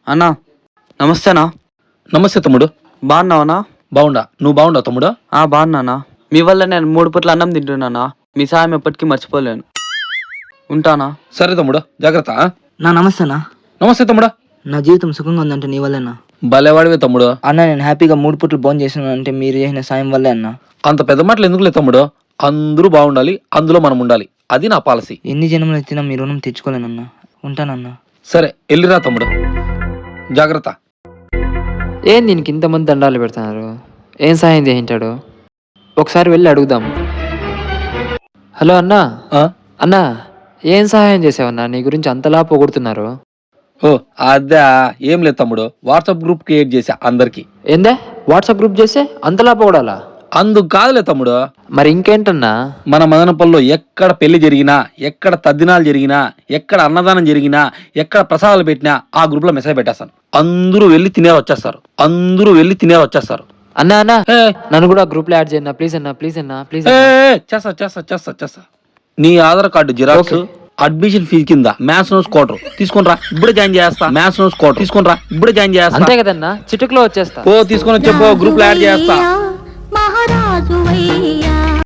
అన్నా నమస్తేనా. నమస్తే తమ్ముడు. బాగున్నావనా? బాగుండా, నువ్వు బాగుండవు తమ్ముడు? బాగున్నానా. మీ వల్ల నేను 3 పూట్ల అన్నం తింటున్నానా. మీ సాయం ఎప్పటికీ మర్చిపోలేను. ఉంటానా? సరే తమ్ముడు, జాగ్రత్త. నమస్తేనా. నమస్తే తమ్ముడు. నా జీవితం సుఖంగా ఉందంటే నీ వల్లేనా. భలేవాడివే తమ్ముడు. అన్న నేను హ్యాపీగా 3 పూటలు భోజనం చేస్తున్నాను అంటే మీరు చేసిన సాయం వల్లే అన్న. అంత పెద్ద మాటలు ఎందుకులే తమ్ముడు. అందరూ బాగుండాలి, అందులో మనం ఉండాలి. అది నా పాలసీ. ఎన్ని జన్మలు ఎత్తినా మీ రుణం తెచ్చుకోలేనన్నా. ఉంటానన్నా. సరే వెళ్ళిరా తమ్ముడు, జాగ్రత్త. ఏం దీనికి ఇంతమంది దండాలు పెడుతున్నారు? ఏం సాయం చేయించాడు? ఒకసారి వెళ్ళి అడుగుదాం. హలో అన్నా. ఆ? అన్నా ఏం సహాయం చేసావన్నా? నీ గురించి అంతలా పొగుడుతున్నారు. ఓ అదా, ఏం లేదు తమ్ముడు. వాట్సాప్ గ్రూప్ క్రియేట్ చేశా అందరికి. ఏందే వాట్సాప్ గ్రూప్ చేస్తే అంతలా పొగడాలా? అందుకు కాదులే తమ్ముడు. మరి ఇంకేంటన్నా? మన మదనపల్లిలో ఎక్కడ పెళ్లి జరిగినా, ఎక్కడ తద్దినాలు జరిగినా, ఎక్కడ అన్నదానం జరిగినా, ఎక్కడ ప్రసాదాలు పెట్టినా ఆ గ్రూప్ లో మెసేజ్ పెట్టేస్తాను. అందరూ వెళ్ళి తినే వచ్చేస్తారు. అన్నా అన్నా నన్ను కూడా గ్రూప్ లో యాడ్ చేయన్నా ప్లీజ్ అన్నా, ప్లీజ్ అన్నా, ప్లీజ్. చేస్తా. నీ Aadhaar card xerox, admission fee కింద మ్యాథ్స్ నోట్స్ క్వార్టర్ తీసుకునిరా, ఇప్పుడే జాయిన్ చేస్తా. అంతే కదన్నా, చిటుకులో వచ్చేస్తా. తీసుకొని వచ్చే గ్రూప్ లో యాడ్ చేస్తా. మహారాజు